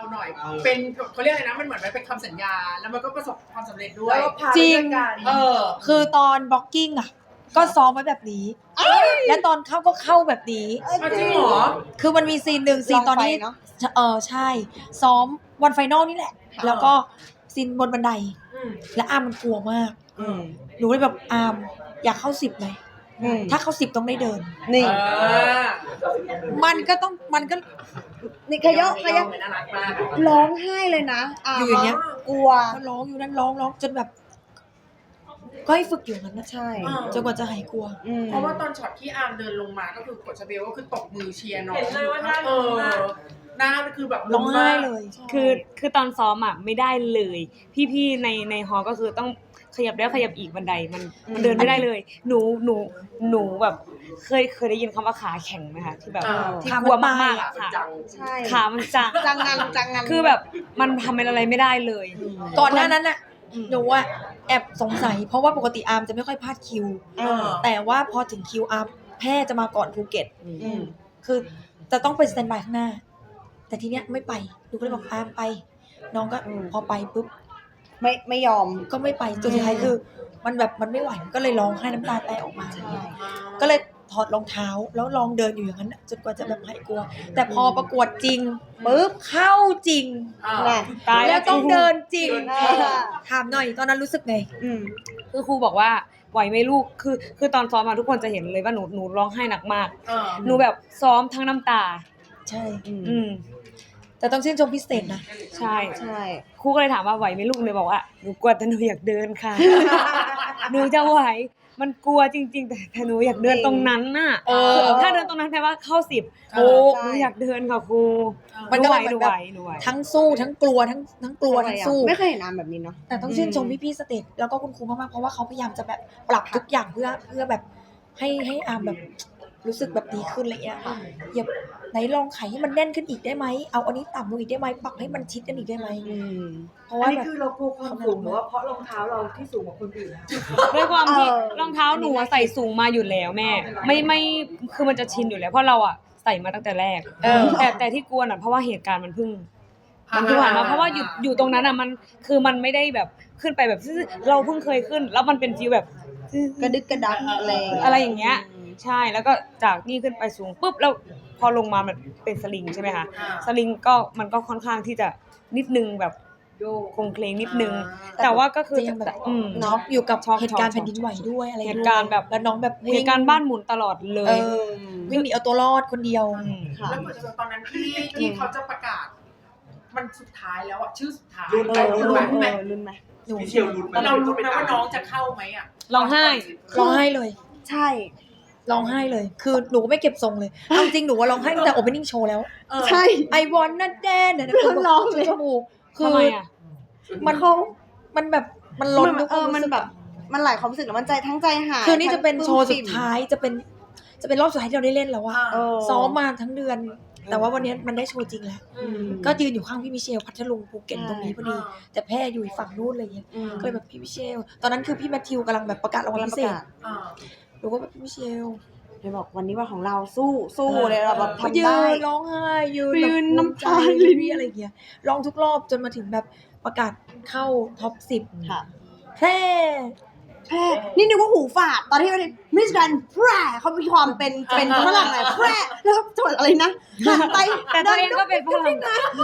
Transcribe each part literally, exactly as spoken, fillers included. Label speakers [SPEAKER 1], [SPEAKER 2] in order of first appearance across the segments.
[SPEAKER 1] เราหน่อยเป็นเขาเรียกอะไรนะมันเหมือนมันเป็นคำสัญญาแล้วมันก็ประสบความสำเร็จด้วย
[SPEAKER 2] จริง
[SPEAKER 1] เออ
[SPEAKER 2] คือตอนบล็อกกิ้งอ่ะก็ซ้อมไว้แบบนี้และตอนเข้าก็เข้าแบบนี้
[SPEAKER 1] จริงเหรอ
[SPEAKER 2] คือมันมีซีนหนึ่งซีนตอนนี้เออใช่ซ้อมวันไฟนอลนี่แหละแล้วก็ซีนบนบันไดและอาร์มมันกลัวมากหนูเลยแบบอาร์มอยากเข้าสิบไหมถ้าเข้าสิบต้องได้เดิน
[SPEAKER 3] นี่
[SPEAKER 2] มันก็ต้องมันก็
[SPEAKER 3] นี่ขยะขยะร้องไห้เลยนะอ่ะ
[SPEAKER 2] อยู่อย่างเงี้ย
[SPEAKER 3] กลัว
[SPEAKER 2] ก็ร้องอยู่นั่นร้องร้องจนแบบ ก็ให้ฝึกอยู่นั้นนะ
[SPEAKER 3] ใช่
[SPEAKER 2] จนกว่าจะหายกลัว
[SPEAKER 1] เพราะว่าตอนช็อตที่อาร์มเดินลงมาก็คือกดชาเบลก็คือตบมือเชียร์น้อง
[SPEAKER 4] เห็นเลยว่าหน้า
[SPEAKER 1] เออหน้าคือแบบ
[SPEAKER 2] ร้องไห้เลย
[SPEAKER 4] คือคือตอนซ้อมอ่ะไม่ได้เลย พี่ๆในในฮอลก็คือต้องขยับแล้วขยับอีกบันไดมันมันเดินไม่ได้เลย หนูหนูหนูแบบเคยเคยได้ยินคำว่าขาแข็งไหมคะที่แบบที่กลัวมากๆอ่ะค่ะ
[SPEAKER 3] ใช่
[SPEAKER 4] ขามันจัง
[SPEAKER 3] จังงันจังงัน
[SPEAKER 4] คือแบบมันทำอะไรไม่ได้เลย
[SPEAKER 2] ก่อนหน้านั้นน่ะหนูอะแอบสงสัย เพราะว่าปกติอาร์มจะไม่ค่อยพลาดคิว
[SPEAKER 1] เออ
[SPEAKER 2] แต่ว่าพอถึงคิวอาร์มแพร่จะมาก่อนภูเก็ต
[SPEAKER 3] อืม
[SPEAKER 2] คือจะต้องเป็นสแตนบายข้างหน้า แต่ทีเนี้ยไม่ไปหนูก็เลยบอกอาร์มไป น้องก็
[SPEAKER 3] อืม
[SPEAKER 2] พอไปปุ๊บ
[SPEAKER 3] ไม่ไม่ยอม
[SPEAKER 2] ก็ไม่ไปจนสุดท้ายคือ มันแบบมันไม่ไหวก็เลยร้องไห้น้ำตาแตกออกมา
[SPEAKER 3] ใช่
[SPEAKER 2] ก็เลยถอดรองเท้าแล้วลองเดินอยู่อย่างนั้นน่ะจนกว่าจะแบบหายกลัว แต่พอประกวดจริงปุ๊บเข้าจริง
[SPEAKER 3] น่ะ
[SPEAKER 4] ตายแล้
[SPEAKER 2] แล้ว วต้องเดินจริง
[SPEAKER 3] เออ
[SPEAKER 2] ถามหน่อยตอนนั้นรู้สึกไง
[SPEAKER 3] อืม
[SPEAKER 4] คือครูบอกว่าไหวไหมลูกคือคือตอนซ้อมมาทุกคนจะเห็นเลยว่าหนูหนูร้องไห้หนักมาก
[SPEAKER 1] เออ
[SPEAKER 4] หนูแบบซ้อมทั้งน้ำตา
[SPEAKER 2] ใช่
[SPEAKER 4] อืม
[SPEAKER 2] แต่ต้องชื่นชมพิเศษนะ
[SPEAKER 4] ใช่
[SPEAKER 3] ใช่
[SPEAKER 4] ครูก็เลยถามว่าไหวไหมลูกเลยบอกว่าหนูกลัวแต่หนูอยากเดินค่ะ หนูจะไหวมันกลัวจริง ๆ แต่แต่หนูอยากเดินตรงนั้นน่ะ
[SPEAKER 2] เออ
[SPEAKER 4] ถ้าเดินตรงนั้นแปลว่าเข้าสิบ
[SPEAKER 1] เอ
[SPEAKER 4] โอ้
[SPEAKER 1] อ
[SPEAKER 4] หนูอยากเดินค่ะครู
[SPEAKER 2] มันก็เลยเหมื
[SPEAKER 4] หนู
[SPEAKER 2] อน
[SPEAKER 4] ไห
[SPEAKER 2] แบ
[SPEAKER 4] ว
[SPEAKER 2] บ
[SPEAKER 4] หนูไหว
[SPEAKER 2] ทั้งสู้ทั้งกลัวทั้งทั้งกลัวทั้งสู้
[SPEAKER 3] ไม่เคยเห็นน้ำแบบนี้เนาะ
[SPEAKER 2] แต่ต้องชื่นชมพี่ๆสเตจแล้วก็คุณครูมากๆเพราะว่าเขาพยายามจะแบบปรับทุกอย่างเพื่อเพื่อแบบให้ให้อาร์มแบบรู้สึกแบบดีขึ้นอะไรเงี้ยอย่าไหนลองไขให้มันแน่นขึ้นอีกได้ไหมเอาอันนี้ต่ำลงอีกได้ไหมปรับให้มันชิดกันอีกได้ไหม
[SPEAKER 3] อืม
[SPEAKER 2] เพราะ
[SPEAKER 5] อั
[SPEAKER 2] ว่าน
[SPEAKER 5] นี้
[SPEAKER 2] แบบ
[SPEAKER 5] คือเรากลัวความสูงหรือว่าเพราะรองเท้าเราที่สูงกว่าคนอื่น
[SPEAKER 4] ด้วยความที่
[SPEAKER 3] เออ
[SPEAKER 4] รองเท้าหนูอะใส่สูงมาอยู่แล้วแม่ ไม่ไม่คือมันจะชินอยู่แล้วเพราะเราอ่ะใส่มาตั้งแต่แรก
[SPEAKER 2] เออ
[SPEAKER 4] แต่แต่ที่กลัวน่ะเพราะว่าเหตุการณ์มันเพิ่งมันเพิ่งผ่านมาเพราะว่าอยู่อยู่ตรงนั้นอ่ะมันคือมันไม่ได้แบบขึ้นไปแบบซื่อๆเราเพิ่งเคยขึ้น แล้วมันเป็นฟีลแบบ
[SPEAKER 3] กระดึกกระดักอะไร
[SPEAKER 4] อะไรอย่างเงี้ย ใช่แล้วก็จากนี่ขึ้นไปสูงปุ๊บแล้วพอลงมามันเป็นสลิงใช่ไหมคะสลิงก็มันก็ค่อนข้างที่จะนิดนึงแบบโครงเคลงนิดนึง แต่ว่าก็คือ
[SPEAKER 2] จะยังแบบ
[SPEAKER 4] อืม
[SPEAKER 2] น็อกอยู่กับ
[SPEAKER 4] ช็อก
[SPEAKER 2] เหตุการณ์
[SPEAKER 4] ช็อก
[SPEAKER 2] แผ่นดินไหวด้วยอะไร
[SPEAKER 4] เหตุการณ์แบบ
[SPEAKER 2] แล้วน้องแบบ
[SPEAKER 4] เห
[SPEAKER 2] วิ่ง
[SPEAKER 4] ตุการณ์บ้านหมุนตลอดเล
[SPEAKER 2] เอย อวิ่งหนีเอาตัวรอดคนเดียว
[SPEAKER 4] ม
[SPEAKER 3] ค่ะ
[SPEAKER 1] แล้วเหมือนตอนนั้นที่ที่เขาจะประกาศ มันสุดท้ายแล้วอ่ะชื่อสุดท้าย
[SPEAKER 5] รุ่น
[SPEAKER 3] เอ
[SPEAKER 5] ไห
[SPEAKER 3] อ
[SPEAKER 1] รู้
[SPEAKER 3] รุ่
[SPEAKER 1] ไหม
[SPEAKER 3] นเออรุ่นไหม
[SPEAKER 2] หนู
[SPEAKER 5] พี่เชียวรุ่นไหม
[SPEAKER 1] เรารู้ไหมว่าน้องจะเข้าไหมอ่ะ
[SPEAKER 4] ร้องไห้
[SPEAKER 2] ร้องไห้เลย
[SPEAKER 3] ใช่
[SPEAKER 2] ร้องไห้เลย คือหนูก็ไม่เก็บทรงเลยเอาจริงหนูว่าร้องไห้ตั้งแต่ opening show แล้ว
[SPEAKER 1] เออ
[SPEAKER 3] ใช่
[SPEAKER 2] ไอวอนนั่นแดนเนี่ยนะคือ
[SPEAKER 3] ร้องเลย
[SPEAKER 2] จมูกคือ
[SPEAKER 4] ทำไมอ่ะ
[SPEAKER 2] มันเขามันแบบมันล้น
[SPEAKER 3] มัน
[SPEAKER 2] ทุกค
[SPEAKER 3] เอ
[SPEAKER 2] วาม
[SPEAKER 3] อมัน
[SPEAKER 2] รู้สึก
[SPEAKER 3] แบบมันหลายความรู้สึกแล้วมันใจทั้งใจหาย
[SPEAKER 2] คือนี่จะเป็นโชว์สุด
[SPEAKER 3] ทั้ง
[SPEAKER 2] ท้ายจะเป็น จะเป็นรอบสุดท้ายที่เราได้เล่นแล้วว่า
[SPEAKER 3] เออ
[SPEAKER 2] ซ้อมมาทั้งเดือน แต่ว่าวันนี้มันได้โชว์จริงแล้ว
[SPEAKER 1] อืม
[SPEAKER 2] ก็ยืนอยู่ข้างพี่มิเชลพัทลุงภูเก็ต
[SPEAKER 3] ใช่
[SPEAKER 2] ตรงนี้พอดี แต่แพร่อยู่อีกฝั่งนู้นอะไรอย่างเงี้ย
[SPEAKER 3] อืม
[SPEAKER 2] ก็เลยแบบพี่มิเชล ตอนนั้นคือพี่แมทธิวกำลังแบบประกาศรางวัลพิเศษ
[SPEAKER 1] เออ
[SPEAKER 2] หนูก็แบบพี่มิเชล
[SPEAKER 3] เลยบอกวันนี้วันของเราสู้สู้เลยเราแบบ
[SPEAKER 2] ก็
[SPEAKER 3] ทำ
[SPEAKER 2] ยื
[SPEAKER 3] ได้
[SPEAKER 2] นร้องไห้ยืน
[SPEAKER 3] ยื
[SPEAKER 2] แบบ
[SPEAKER 3] น
[SPEAKER 2] ภูมิ
[SPEAKER 3] น้ำ
[SPEAKER 2] ใจ
[SPEAKER 3] ตาไหล
[SPEAKER 2] รีอะไรอย่างเงี้ยร้องทุกรอบจนมาถึงแบบประกาศเข้าท็อปสิบ
[SPEAKER 3] ค่ะ
[SPEAKER 2] แพร่
[SPEAKER 3] แพร่นี่นึกว่าหูฝาดตอนที่มันมิสแกรนแพร่เขามีความเป็นเป็นฝรั่งไงแพร่แล้วจังหวัดอะไรนะหันไป
[SPEAKER 4] แต่ตัวเองก็เป็นฝรั่ง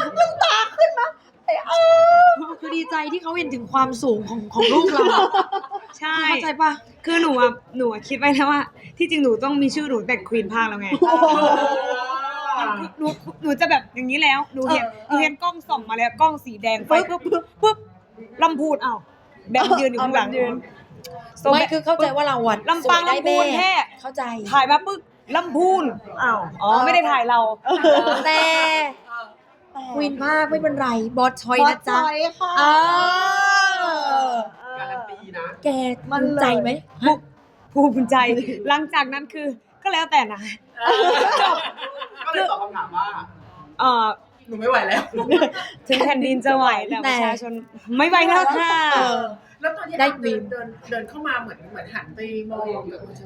[SPEAKER 2] คือดีใจที่เขาเห็นถึงความสูงของของลูกเรา
[SPEAKER 4] ใช่
[SPEAKER 2] เข้าใจปะ
[SPEAKER 4] คือหนูอ่ะหนูอะคิดไว้แล้วว่า ที่จริงหนูต้องมีชื่อหนูแต่ควีนภาคแล้วไงหนูหนูจะแบบอย่างนี้แล้วหนูเห็นหนูเห็นกล้องส่องมาแล้วกล้องสีแดงไฟปุ๊บปุ๊บปุ๊บลำพูนอ้าวแบมยืนอยู่ข้างหลัง โซ
[SPEAKER 2] ไม่
[SPEAKER 4] แบบ
[SPEAKER 2] คือเข้าใจว่าเราอะ
[SPEAKER 4] ลำปาง
[SPEAKER 2] สวยได้
[SPEAKER 4] ลำพูนแท้
[SPEAKER 2] เข้าใจ
[SPEAKER 4] ถ่ายมาปึ๊บลำพูนอ้าวอ๋อไม่ได้ถ่ายเรา
[SPEAKER 2] แต่ควีนภาคไม่เป็นไรบอสชอยนะจ๊ะ
[SPEAKER 3] บอสชอยค่ะ
[SPEAKER 2] เออ
[SPEAKER 5] การันตีนะ
[SPEAKER 2] แกมั่นใจไหม
[SPEAKER 4] ภูมิใจหลังจากนั้นคือก็แล้วแต่นะจบ
[SPEAKER 5] ก็เลยตอบคำถามว่า
[SPEAKER 4] เอ่อ
[SPEAKER 1] หนูไม่ไหวแล้ว
[SPEAKER 4] ถึงแผ่นดินจะไหวแต่ประชาชนไม่ไหวแล้วค่ะ
[SPEAKER 2] เออ
[SPEAKER 1] แล้วตอนที่
[SPEAKER 2] ได้
[SPEAKER 1] อาร์ม
[SPEAKER 2] บี
[SPEAKER 1] เดิน
[SPEAKER 2] ม
[SPEAKER 1] เดินเดินเข้ามาเหมือนเหมือนหันไปมองกับคุณชาเบลปะ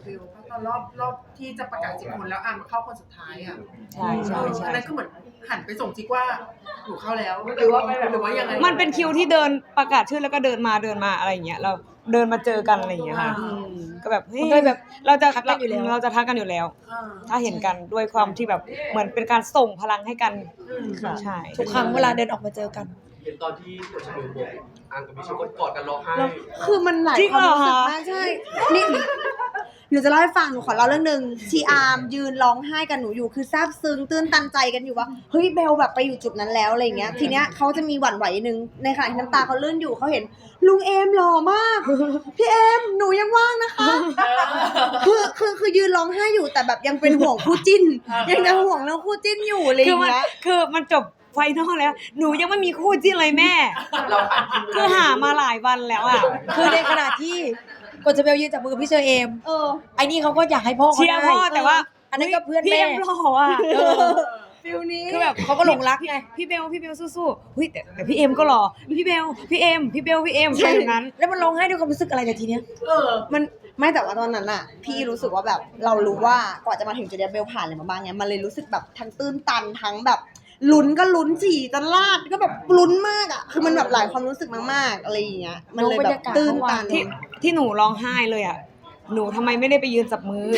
[SPEAKER 1] ตอนรอบรอบที่จะประกาศสิบคนแล้วอาร์มเข้าคนสุดท้ายอ่ะ
[SPEAKER 4] ใช่ใช่ใช่
[SPEAKER 1] อันนั้นก็เหมือนหันไปส่งจิกว่าหนูเข้าแล้วหรือว่าหรือว่ายังไง
[SPEAKER 4] มันเป็นคิวที่เดินประกาศชื่อแล้วก็เดินมาเดินมาอะไรอย่างเงี้ยเราเดินมาเจอกันอะไรอย่างเงี้ยค่ะ
[SPEAKER 1] อืม
[SPEAKER 4] ก็แบบเฮ้ย
[SPEAKER 2] มันก็แบบ
[SPEAKER 4] เราจะ
[SPEAKER 2] ทักกันอยู่แล้ว
[SPEAKER 4] เราจะทักกันอยู่แล้ว
[SPEAKER 1] อ่า
[SPEAKER 4] ถ้าเห็นกันด้วยความที่แบบเหมือนเป็นการส่งพลังให้กัน
[SPEAKER 1] อืม
[SPEAKER 4] ใช่
[SPEAKER 2] ทุกครั้งเวลาเดินออกมาเจอกัน
[SPEAKER 6] เห็นตอนที่ตัวชาเบลบอกอ่างกับมิชก็กอดกันร้องไห้
[SPEAKER 3] แล้วคือมันหลายความรู้สึกมากใช่ นี่หนูจะเล่าให้ฟังหนูขอเล่าเรื่องหนึ่งทีอาร์มยืนร้องไห้กับหนูอยู่คือซาบซึ้งตื้นตันใจกันอยู่ว่าเฮ้ยเบลแบบไปอยู่จุดนั้นแล้วอะไรอย่างเงี้ยทีเนี้ยเขาจะมีหวั่นไหวนึงในขณะที่น้ำตาเขาเลื่อนอยู่เขาเห็นลุงเอมหล่อมากพี่เอมหนูยังว่างนะคะคือคือคือยืนร้องไห้อยู่แต่แบบยังเป็นห่วงคู่จิ้น ยังจะห่วงเรื่องคู่จิ้นอยู่อะไรอ
[SPEAKER 4] คือย่าง มัน
[SPEAKER 3] เงี้ย
[SPEAKER 4] คือมันจบไฟนอลแล้ว หนูยังไม่มีคู่จิ้นเลยแม่
[SPEAKER 6] เราหากิน
[SPEAKER 4] คือหามาหลายวันแล้วอ่ะ
[SPEAKER 2] คือในขณะที่กดจะเบลยืนจับมือกับพี่เชอเอม
[SPEAKER 3] เออ
[SPEAKER 2] ไอ้นี่เขาก็อยากให้พ่อเขา
[SPEAKER 4] เชียร์
[SPEAKER 2] ได้
[SPEAKER 4] พ่อแต่ว่า
[SPEAKER 2] อันนั้นก็เพื่อน
[SPEAKER 4] พี่
[SPEAKER 2] แม่
[SPEAKER 4] เอ็มหล่ออ่ะ
[SPEAKER 2] เออ
[SPEAKER 3] ฟิลนี้
[SPEAKER 4] คือแบบ
[SPEAKER 2] เขาก็หลงรักไง
[SPEAKER 4] พี่เบลพี่เบลสู้ๆเฮ้ยแต่แต่พี่เอ็มก็หล่อพี่เบลพี่เอ็มพี่เบลพี่เอ็มใช่อย่างนั้น
[SPEAKER 2] แล้วมันร้องไห้ด้วยความรู้สึกอะไรแต่ทีเนี้ย
[SPEAKER 1] เออ
[SPEAKER 3] มันไม่แต่ว่าตอนนั้นอะพี่รู้สึกว่าแบบเรารู้ว่ากว่าจะมาถึงจุดเนี้ยเบลผ่านอะไรมาบ้างเนี้ยมันเลยรู้สึกแบบทั้งตื้นตันทั้งแบบลุ้นก็ลุ้นจี่จะลาดก็แบบลุ้นมากอะคือมันแบบหลายความรู้สึกมากๆอะไรอย่างเงี้ยมันเลยแบบตื้นตัน
[SPEAKER 4] ที่ที่หนูร้องไห้เลยอ่ะหนูทำไมไม่ได้ไปยืนจับมือ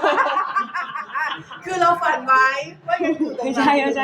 [SPEAKER 1] คือเราฝันไว้ว่ายังอยู่ตรง
[SPEAKER 4] ไม่
[SPEAKER 1] นั้น
[SPEAKER 4] ใช่ไม่ใช่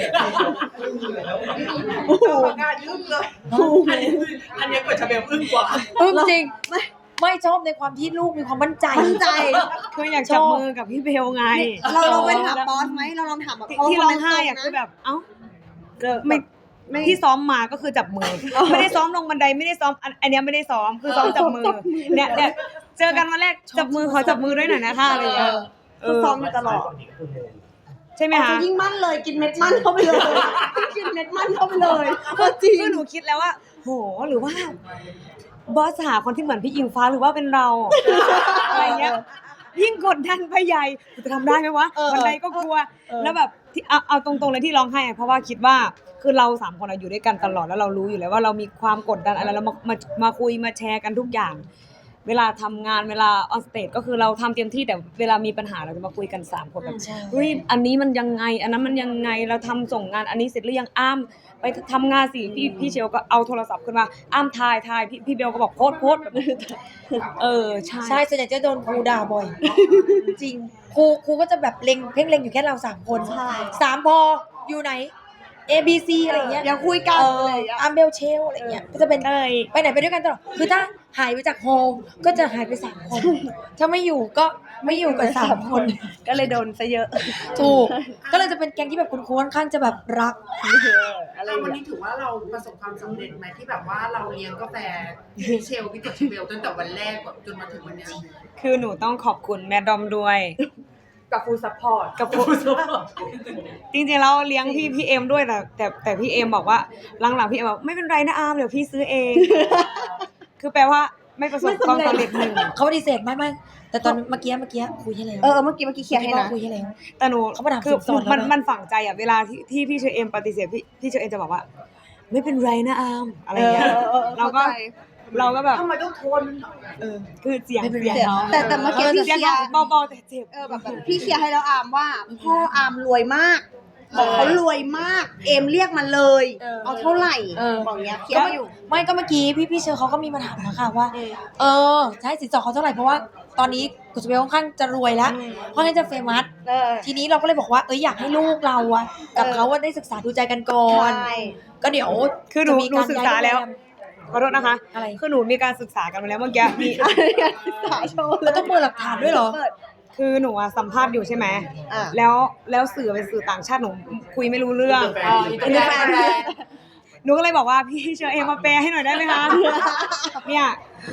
[SPEAKER 1] เราประกาศยึดเลยอันนี้อันนี้กดชาเบลอึ้งกว่า
[SPEAKER 2] เออจริงไม่ไม่ชอบในความที่ลูกมีความมั่นใจ
[SPEAKER 3] มั่นใจ
[SPEAKER 4] คืออยากจับมือกับพี่เบลไง
[SPEAKER 3] เราลองไปถามบอสไหมเราลองถามแบบ
[SPEAKER 4] ที่
[SPEAKER 3] เขา
[SPEAKER 4] ที่ร้องไห้อ่ะ
[SPEAKER 3] ค
[SPEAKER 4] คือ
[SPEAKER 3] ม
[SPEAKER 4] แบบเอ้าเกิด
[SPEAKER 3] ไม่
[SPEAKER 4] ไม่ที่ซ้อมมาก็คือจับมือ ไม่ได้ซ้อมลงบันไดไม่ได้ซ้อมอันอันเนี้ยไม่ได้ซ้อมคือซ้อมจับมือเนี่ยเนี่ยเจอกันวันแรกจับมือขอจับมือด้วยหน่อยนะคะอะไรอย่างเงี้ย
[SPEAKER 3] เออซ้อมอยู่ตลอด
[SPEAKER 4] ใช่ไหม
[SPEAKER 3] อ๋อ
[SPEAKER 4] คะ
[SPEAKER 3] จะยิ่งมั่นเลยกินเม็ดมั่นเข้าไปเลยกินเม็ดมั่นเข้าไปเลยก็จริง
[SPEAKER 4] คือหนูคิดแล้วว่าโหหรือว่า บอสหาคนที่เหมือนพี่อิงฟ้าหรือว่าเป็นเราอะไรเงี้ยยิ่งกดดันไปใหญ่จะทำได้ไหมวะ
[SPEAKER 3] เออ
[SPEAKER 4] บันไดก็กลัว แล้วแบบที่เอาเอาตรงๆเลยที่ร้องไห้อะเพราะว่าคิดว่าคือเราสามคนอะอยู่ด้วยกันตลอดแล้วเรารู้อยู่แล้วว่าเรามีความกดดันอะไรแล้วมามามาคุยมาแชร์กันทุกอย่าง เวลาทำงานเวลาออนสเตจก็คือเราทำเต็มที่แต่เวลามีปัญหาเราจะมาคุยกันสามคนแบบ
[SPEAKER 2] ใช่
[SPEAKER 4] เฮ้ยอันนี้มันยังไง อันนั้นมันยังไงเราทำส่งงานอันนี้เสร็จหรือยังอ้ามไปทำงานสิพี่พี่เชลก็เอาโทรศัพท์ขึ้นมาอ้ามทายทายพี่พี่เบลก็บอกโพสต์โพสต์แบบเออใช่
[SPEAKER 2] ใช่ส่วนใหญ่จะโดนครูด่าบ่อย จริงครูครูก็จะแบบเล็งเพ่งเล็งอยู่แค่เราสามคน
[SPEAKER 3] ใช่
[SPEAKER 2] สามพออยู่ไหน A B C อะไรเงี้ย
[SPEAKER 3] อย่าคุยกัน
[SPEAKER 2] เอ
[SPEAKER 3] อะไร
[SPEAKER 2] อ
[SPEAKER 3] อย่างเงี้ย
[SPEAKER 2] อาร์เบลเชลอะไรเงี้ยก็จะเป็น
[SPEAKER 4] เอ้ย
[SPEAKER 2] ไปไหนไปด้วยกันตลอดคือถ้าหายไปจากโฮลก็จะหายไปสามคน ถ้าไม่อยู่ก็ไม่อยู่กันสามคน
[SPEAKER 3] ก็เลยโดนซะเยอะ
[SPEAKER 2] ถูกก็เลยจะเป็นแก๊งที่แบบคุณครูค่อนข้างจะแบบรัก
[SPEAKER 3] อะไร
[SPEAKER 1] แล้ว
[SPEAKER 3] อย่าง
[SPEAKER 1] วัน
[SPEAKER 3] เงี้ย
[SPEAKER 1] นี้ถือว่าเราประสบความสำเร็จไหมที่แบบว่าเราเลี้ยงกาแฟพี่เชลพี่กดชาเบลตั้งแต่วันแรกจนมาถึงวันเนี้ย
[SPEAKER 4] คือหนูต้องขอบคุณแม่ดอมด้วย
[SPEAKER 5] กับฟูลซัพพอร์ต
[SPEAKER 4] กับผมจริงๆแล้วเลี้ยงพี่พี่เอ็มด้วยแต่แต่แต่พี่เอ็มบอกว่าหลังๆพี่เอ็มบอกไม่เป็นไรนะอาร์มเดี๋ยวพี่ซื้อเอง คือแปลว่าไม่ประสบความสำเร็จหนึ่ง
[SPEAKER 2] เขาปฏิเสธไม่ไม่แต่ตอนเมื่อกี้เมื่อกี้คุยให้แล้ว
[SPEAKER 3] เออเมื่อกี้เมื่อกี้เคลียร์ให้นะ
[SPEAKER 2] คุยให้แล้ว
[SPEAKER 4] แต่หนู
[SPEAKER 2] เขามาถาม
[SPEAKER 4] คือ
[SPEAKER 2] สินสอดแล้วนะ
[SPEAKER 4] มันมันฝังใจอ่ะเวลาที่ที่พี่เชอเอ็มปฏิเสธพี่พี่เชอเอ็มจะบอกว่า ไม่เป็นไรนะอาร์มอะไรอย่างเงี้ย
[SPEAKER 3] เออเออเออ
[SPEAKER 4] เราก็
[SPEAKER 3] เข้าใจ
[SPEAKER 4] เราก็แบบ
[SPEAKER 5] ทำไมต้องโทน
[SPEAKER 4] เออคือเสียง
[SPEAKER 2] ไม่เป็น
[SPEAKER 4] เสียง
[SPEAKER 2] ไร
[SPEAKER 4] เขา
[SPEAKER 3] แต่แต่เมื่อกี้พี่
[SPEAKER 4] เสียง
[SPEAKER 3] เคลียร์
[SPEAKER 4] เขาเบาๆแต่เจ็บ
[SPEAKER 3] เออแบบแบบพี่เคลียร์ให้แล้วอามว่าพ่ออามรวยมากบอกเขารวยมาก เอมเรียกมันเลย
[SPEAKER 2] เออ
[SPEAKER 3] เอาเท่าไหร่
[SPEAKER 2] เออ
[SPEAKER 3] บอกเนี้ยเคลียร์มาอยู่
[SPEAKER 2] ไม่ก็เมื่อกี้พี่พี่เชอเขาก็มีมาถามนะคะว่า เออจะให้สินสอดเขาเท่าไหร่เพราะว่าตอนนี้กุศเบลค่อนข้างจะรวยแล้ว
[SPEAKER 3] อืม
[SPEAKER 2] ค่อนข้างจะเฟมัส
[SPEAKER 3] เออ
[SPEAKER 2] ทีนี้เราก็เลยบอกว่าเอ้ยอยากให้ลูกเราอะกับ
[SPEAKER 3] เออ
[SPEAKER 2] เขาว่าได้ศึกษาดูใจกันก่อน
[SPEAKER 3] ใช่
[SPEAKER 2] ก็เดี๋ยว
[SPEAKER 4] คือหนู
[SPEAKER 2] จะมี
[SPEAKER 4] หนูศึกษาแล้ว ขอโทษนะคะ
[SPEAKER 2] อะไร
[SPEAKER 4] คือหนูมีการศึกษากันมาแล้วเมื่อกี้มี
[SPEAKER 3] สายโชว์เล
[SPEAKER 2] เรา
[SPEAKER 3] ย
[SPEAKER 2] ต้องเปิดหลักฐานด้วยเหรอ
[SPEAKER 3] เปิด
[SPEAKER 4] คือหนูอะสัมภาษณ์อยู่ใช่ไหม
[SPEAKER 3] อ่ะ
[SPEAKER 4] แล้วแล้วสื่อเป็นสื่อต่างชาติหนูคุยไม่รู้เรื่อง
[SPEAKER 1] อ๋ออินเตอร์แฟน
[SPEAKER 4] หนูก็เลยบอกว่าพี่เชอเอมมาแปลให้หน่อยได้ไหมคะ เนี่ย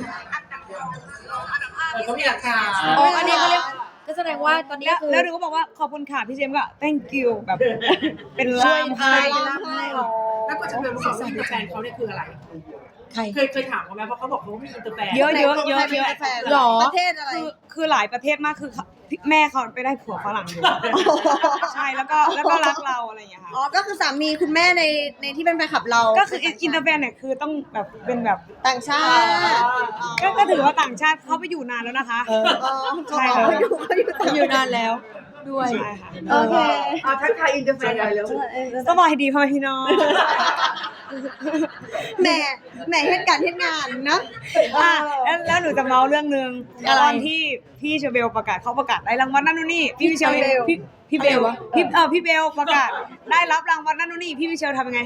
[SPEAKER 1] เขามีหลักฐาน
[SPEAKER 2] อ๋ออันนี้เขาเรียกก็แสดงว่าตอนนี้
[SPEAKER 4] แล้ว
[SPEAKER 2] คือ
[SPEAKER 4] แล้วหนูก็บอกว่าขอบคุณค่ะพี่เจมส์ก็ thank you แบบ เป็นลามให้
[SPEAKER 3] เป็นลามให้
[SPEAKER 1] แล้วกดชาเบลรู้สึกว่าอินเตอร์แฟนเขาเนี่ยคืออะไร
[SPEAKER 2] ใคร
[SPEAKER 1] เคยเคยถามเขาไหมเพราะเขาบอกเขามีอินเตอร์แฟน
[SPEAKER 4] เยอะเยอะเยอะเยอะ
[SPEAKER 3] แฟน
[SPEAKER 2] หรอ
[SPEAKER 3] ประเทศอะไร
[SPEAKER 4] คือคือหลายประเทศมากคือพี่แม่เขาไปได้ผัวฝรั่งอยู่ใช่แล้วก็แล้วก็รักเราอะไรอย่างเงี้ยค่ะ
[SPEAKER 3] อ๋อก็คือสามีคุณแม่ในในที่เป็นแฟนคลับเรา
[SPEAKER 4] ก็คืออินเตอร์แฟนเนี่ยคือต้องแบบเป็นแบบ
[SPEAKER 3] ต่างชาติ
[SPEAKER 4] ก็ก็ถือว่าต่างชาติเขาไปอยู่นานแล้วนะคะ
[SPEAKER 2] เออ
[SPEAKER 3] อ๋อ
[SPEAKER 4] ใช่ค่ะ
[SPEAKER 3] เขาอยู่เขาอยู่ต่าง
[SPEAKER 2] อยู่นานแล้วด้วย
[SPEAKER 4] ใช่ค่ะ
[SPEAKER 3] โอเค
[SPEAKER 5] อ่ะทักทายอินเตอร์แฟนหน่อยเร็ว
[SPEAKER 4] สบายดีพ่อแม่พี่น้อง
[SPEAKER 3] แหม่แหม่เหตุการณ์เหตุงานเนอะ
[SPEAKER 4] อ่ะแล้วแล้วหนูจะเมาเรื่องหนึง
[SPEAKER 2] อะไร
[SPEAKER 4] ตอนที่พี่เชอเบลประกาศเขาประกาศได้รางวัลนั่นนู่นนี่พี่เชลพี่พี่เบล
[SPEAKER 2] อะไรวะ
[SPEAKER 4] พี่เออพี่เบลประกาศได้รับรางวัลนั่นนู่นนี่พี่วิเชลทำยังไง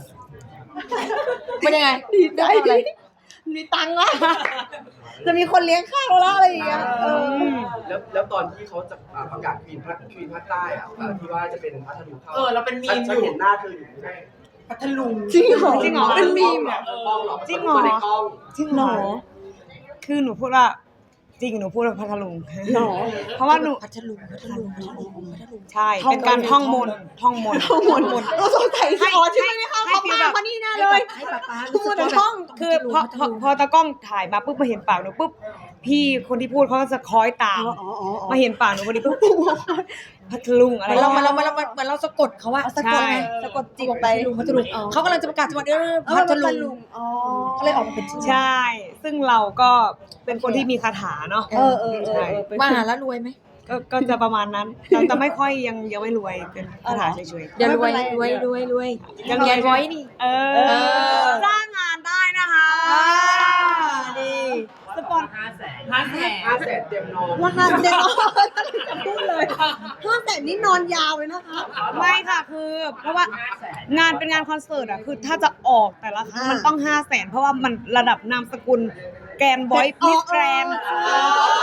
[SPEAKER 2] เป็นยังไง
[SPEAKER 3] ดีใจ
[SPEAKER 2] ได้อะไร
[SPEAKER 3] มีตังค์ละจะมีคนเลี้ยงข้าวแล้วอะไรอย่างเงี้ยเออ
[SPEAKER 6] แล้วแล้วตอนที่เขาจะอ่าประกาศควีนภาคควีนภาคใต้อ่ะอ่าที่ว่าจะเป็นพัทลุงเข้า
[SPEAKER 1] เออเราเป็นมีม
[SPEAKER 6] ฉั
[SPEAKER 1] อยู่
[SPEAKER 6] เห็นหน้าเธออยู่ใน
[SPEAKER 1] พัทลุง
[SPEAKER 3] จริงเหรอ
[SPEAKER 4] จริงเหรอ
[SPEAKER 3] เป็นมีมเหรอ
[SPEAKER 6] กล้องเหรอ
[SPEAKER 4] จริงเหรอ
[SPEAKER 6] ในกล้อง
[SPEAKER 4] จริงเหรอคือหนูพูดว่าจริงหนูพูดว่าพัทลุง
[SPEAKER 3] หรอ
[SPEAKER 4] เพราะว่าหนู
[SPEAKER 2] พัทลุงพัทลุงพัทลุงพัทลุง
[SPEAKER 4] ใช่เป็นการท่องมนต์ท่องมนต์
[SPEAKER 3] ข้อมูลเราสงสัยที่อ๋อที่ไม่ได้เข้า
[SPEAKER 4] ให้
[SPEAKER 3] เขา
[SPEAKER 4] ฟีล
[SPEAKER 3] มา
[SPEAKER 4] แบบ
[SPEAKER 3] เพราะนี่แน่
[SPEAKER 2] ให้
[SPEAKER 3] เล
[SPEAKER 2] แบ
[SPEAKER 3] ย
[SPEAKER 2] บให้ป๊าป๊า
[SPEAKER 3] ทุกคนในห้อง
[SPEAKER 4] คือพอพอพอตากล้องถ่ายมาปุ๊บมาเห็นปากหนูปุ๊บพี่คนที่พูดเขาก็จะคอยตาม
[SPEAKER 3] อ๋ออ๋ออ๋อ
[SPEAKER 4] มาเห็นปากหนูพอดีปุ๊บพัทลุงอะไร
[SPEAKER 2] เหมือนเราเหมือนเราเหมือนเราเหมือนเราสะกดเขาว่า
[SPEAKER 3] เอาสะกดไงสะกดจิตไป
[SPEAKER 2] พัทลุงพัทลุงเขากำลังจะประกาศจังหวัดเออ
[SPEAKER 3] เออ
[SPEAKER 2] พัท
[SPEAKER 3] พัท
[SPEAKER 2] ลุ
[SPEAKER 3] ลุ
[SPEAKER 2] ง
[SPEAKER 3] งอ๋อ
[SPEAKER 2] ก็เลยออกมาเป็นชื่อ
[SPEAKER 4] ใช่ ซึ่งเราก็เป็นคนที่มีคาถาเนาะ
[SPEAKER 3] เออเออเออเออเป็น
[SPEAKER 2] มาหาแล้วรวยไหม
[SPEAKER 4] ก็ก็จะประมาณนั้นแต่แต่ไม่ค่อยยังยังไม่รวยเป็นคาถาเฉย
[SPEAKER 2] เดี๋ยวรวย
[SPEAKER 3] ไม่เป็น
[SPEAKER 2] ร
[SPEAKER 3] ไร
[SPEAKER 2] วยรวยรวย
[SPEAKER 4] ยั
[SPEAKER 2] ยัง ง
[SPEAKER 4] ไง
[SPEAKER 2] ยันไว้นี่
[SPEAKER 4] ๆเอ
[SPEAKER 2] เอ
[SPEAKER 4] อ
[SPEAKER 2] อ
[SPEAKER 4] จ้างงานได้นะคะ
[SPEAKER 2] อ่าดี
[SPEAKER 4] สปอน
[SPEAKER 1] ห้าแสนห้าแสน
[SPEAKER 6] ห้าแสนเต็มนอน
[SPEAKER 3] ราคาเด็กจะพูดเลยห้าแต่นี่นอนยาวเลยนะคะ
[SPEAKER 4] ไม่ค่ะคือเพราะว่างานเป็นงานคอนเสิร์ตอะคือถ้าจะออกแต่ละครั้ง
[SPEAKER 3] อ่ามั
[SPEAKER 4] มันต้องห้าแสนเพราะว่ามันระดับนามสกุลแกรนบอยมิสแกรน
[SPEAKER 3] อ๋อ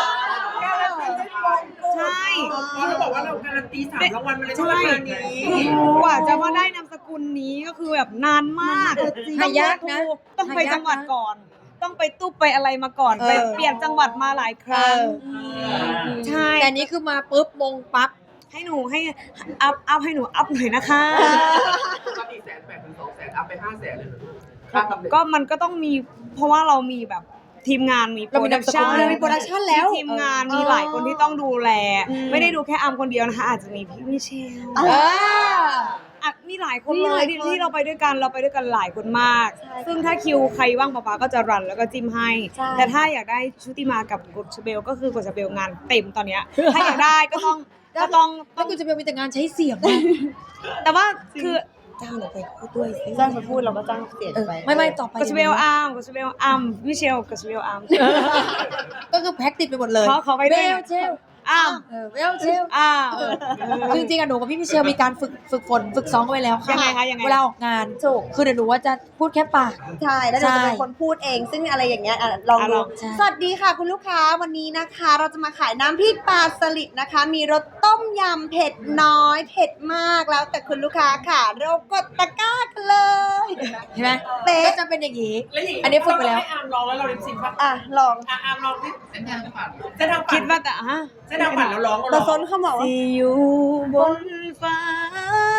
[SPEAKER 4] ใช่
[SPEAKER 1] เขาบอกว่าเราการันตีสามรางวัลมาเลยที่ราคานี้
[SPEAKER 4] กว่าจะมาได้นามสกุลนี้ก็คือแบบนานมาก
[SPEAKER 2] หายากนะ
[SPEAKER 4] ต้องไป
[SPEAKER 2] หายากนะ
[SPEAKER 4] จังหวัดก่อน ต้องไปตุ๊บไปอะไรมาก่อน
[SPEAKER 2] เออ
[SPEAKER 4] ไปเปลี่ยนจังหวัดมาหลายครั้ง
[SPEAKER 2] เออ
[SPEAKER 4] ใช่
[SPEAKER 2] แต่นี้คือมาปุ๊บมงปั๊บ
[SPEAKER 4] ให้หนูให้อัพอัพให้หนูอัพหน่อยนะคะ
[SPEAKER 6] ปกติแสนแปดถึงสองแสนอัพไปห้าแสนเลยเหรอค่าตำแหน่ง
[SPEAKER 4] ก็มันก็ต้องมีเพราะว่าเรามีแบบทีมงานมี
[SPEAKER 2] เรามีนามสกุล
[SPEAKER 3] เรามีโปรดักชั่นแล้ว
[SPEAKER 4] ทีมงานมีหลายคนที่ต้องดูแล ไม่ได้ดูแค่อัมคนเดียวนะคะ อาจจะมีพี่มิเชล
[SPEAKER 3] อ่ะ
[SPEAKER 2] เออ
[SPEAKER 4] อ่ะมีหลายคน
[SPEAKER 3] มี
[SPEAKER 4] เล
[SPEAKER 3] หลาย ย
[SPEAKER 4] ที่
[SPEAKER 3] คน
[SPEAKER 4] ที่เราไปด้วยกันเราไปด้วยกันหลายคนมาก
[SPEAKER 3] ใช่
[SPEAKER 4] ซึ่งถ้าคิวใครว่างป๊าป๊าก็จะรันแล้วก็จิ้มให้
[SPEAKER 3] ใช่
[SPEAKER 4] แต่ถ้าอยากได้ชุติมากับกดชเบลก็คือกดชเบลงานเต็มตอนเนี้ย ถ้าอยากได้ก็ต้องก็ต้องต้
[SPEAKER 2] แล้
[SPEAKER 4] อ
[SPEAKER 2] ว
[SPEAKER 4] ง
[SPEAKER 2] คุณจะมีแต่งานใช้เสียงนะ
[SPEAKER 4] แต่ว่าคือ
[SPEAKER 2] จ้างหนูไปพูดด้วยสิ
[SPEAKER 3] จ้างมาพูดเราก็จ้างเสีย
[SPEAKER 2] เออ
[SPEAKER 3] ไป
[SPEAKER 2] ไม่ไม่ต่อไป
[SPEAKER 4] กดชเบลอาร์มกดชเบลอาร์มมิเชลกดชเบลอาร์ม
[SPEAKER 2] ก็คือแพ็กติดไปหมดเลย
[SPEAKER 4] เขาเขาไปด้วย
[SPEAKER 2] เวลเชล
[SPEAKER 4] อาร์ม
[SPEAKER 2] เออเวลเชล
[SPEAKER 4] อาร์ม
[SPEAKER 2] คือจริงๆอะหนูกับพี่มิเชลมีการฝึกฝึกฝนฝึกซ้อมกันไว้แล้วค่ะ
[SPEAKER 4] ยังไงคะยังไง
[SPEAKER 2] เวลาออกงาน
[SPEAKER 3] ถูก
[SPEAKER 2] คือเดี๋ยวหนูว่าจะพูดแค่ปาก
[SPEAKER 3] ใช่แล้วเดี๋ยวจะเป็น
[SPEAKER 2] ใช่
[SPEAKER 3] คนพูดเอง ซึ่งอะไรอย่างเงี้ยอ่ะลอง
[SPEAKER 4] อ่ะ
[SPEAKER 3] ดู
[SPEAKER 4] ลอง
[SPEAKER 2] ใช่
[SPEAKER 3] สวัสดีค่ะคุณลูกค้าวันนี้นะคะ เราจะมาขายน้ำพริกปลาสลิดนะคะ มีรสต้มยำเผ็ดน้อย เผ็ดมากแล้วแต่คุณลูกค้าค่ะ เรากดตะกร้ากันเลย
[SPEAKER 2] เห็นไหม
[SPEAKER 3] เป๊ะ
[SPEAKER 2] ก็จะเป็นอย่างนี้
[SPEAKER 1] แล้วอย่าง
[SPEAKER 2] อันนี้ฝึกไปแล้ว
[SPEAKER 1] ให้อาร์มลองแล้วเราลิปซิงค์ป่ะ
[SPEAKER 3] อ่ะลอง
[SPEAKER 1] อ่ะอาร์มลองที่เส้นทางฝันเส้นทางฝัน
[SPEAKER 4] คิดว่าแต่ฮะ
[SPEAKER 1] เส้นทางฝันแล้วร้อง
[SPEAKER 3] ตะ
[SPEAKER 1] เราร้อง
[SPEAKER 3] ซนเขาบอกว่า
[SPEAKER 4] ที่อยู่บนฟ้า